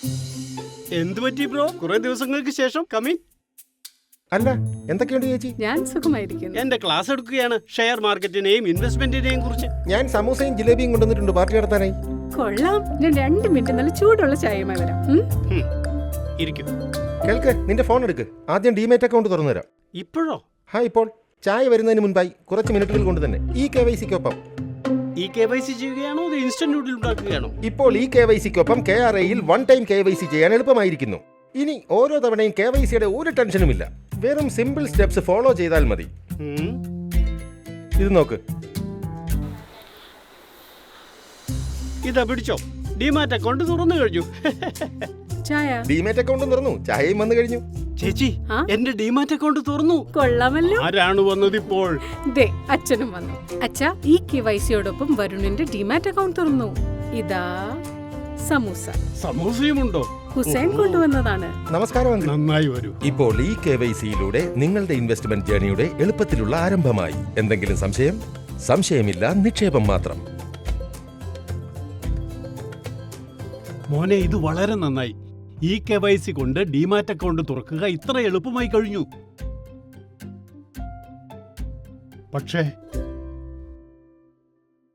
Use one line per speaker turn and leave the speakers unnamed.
എന്ത് പറ്റി ബ്രോ? കുറെ ദിവസങ്ങൾക്ക് ശേഷം കമ്മിൻ.
അല്ല, എന്തൊക്കെയുണ്ട് ചേച്ചി?
ഞാൻ സുഖമായിരിക്കുന്നു.
എന്റെ ക്ലാസ് എടുക്കുകയാണ് ഷെയർ മാർക്കറ്റിനെയും ഇൻവെസ്റ്റ്മെന്റിനെയും കുറിച്ച്.
ഞാൻ സമൂസയും ജിലേബിയും കൊണ്ടുവന്നിട്ടുണ്ട് പാർട്ടി നടത്താനായി.
കൊള്ളാം. ഞാൻ 2 മിനിറ്റ് നല്ല ചൂടുള്ള ചായയുമായി വരാം.
ഇരിക്കും.
കേൾക്ക്, നിന്റെ ഫോൺ എടുക്ക്. ആദ്യം ഡിമേറ്റ് അക്കൗണ്ട് തുറന്നു തരാം.
ഇപ്പോഴോ?
ഇപ്പോൾ ചായ വരുന്നതിന് മുൻപായി കുറച്ച് മിനിറ്റുകൾ കൊണ്ട് തന്നെ ഈ KYC-ക്കൊപ്പം.
ഈ KYC ചെയ്യുകയാണോ അത് ഇൻസ്റ്റന്റ് നൂഡിൽ ഉണ്ടാക്കുകയാണോ?
ഇപ്പോൾ ഈ KYC-ക്കൊപ്പം KRAയിൽ 1 ടൈം KYC ചെയ്യാൻ എളുപ്പമായിരിക്കുന്നു. ഇനി ഓരോ തവണയും KYC-യുടെ ഒരു ടെൻഷനുമില്ല. വെറും സിമ്പിൾ സ്റ്റെപ്സ് ഫോളോ ചെയ്താൽ മതി. ഇത് നോക്ക്.
ഇതാ പിടിച്ചോ. ഡിമാറ്റ് അക്കൗണ്ട് തുറന്നു കഴിഞ്ഞു.
ചായ.
ഡിമാറ്റ് അക്കൗണ്ടും തുറന്നു, ചായയും വന്നു കഴിഞ്ഞു.
ചേച്ചി, എന്റെ ഡിമാറ്റ് അക്കൗണ്ട് തുറന്നു.
കൊള്ളാമല്ലോ.
ആരാണ് വന്നത് ഇപ്പോൾ?
ദേ, അച്ഛനും വന്നു. അച്ഛാ, ഈ KYC-യോടൊപ്പം വരുണിന്റെ ഡിമാറ്റ് അക്കൗണ്ട് തുറന്നു. ഇതാ സമൂസ.
സമൂസയുമുണ്ടോ?
ഹുസൈൻ കൊണ്ടുവന്നതാണ്.
നമസ്കാരം അങ്കിൾ.
നന്നായി വരൂ.
ഇപ്പോൾ ഈ KYC-യിലൂടെ നിങ്ങളുടെ ഇൻവെസ്റ്റ്മെന്റ് ജേണിയുടെ എളുപ്പത്തിലുള്ള ആരംഭമായി. എന്തെങ്കിലും സംശയം? സംശയമില്ല, നിക്ഷേപം മാത്രം.
മോനെ, ഇത് വളരെ നന്നായി. ഈ KYC കൊണ്ട് ഡിമാറ്റ് അക്കൗണ്ട് തുറക്കുക ഇത്ര എളുപ്പമായി കഴിഞ്ഞു. പക്ഷേ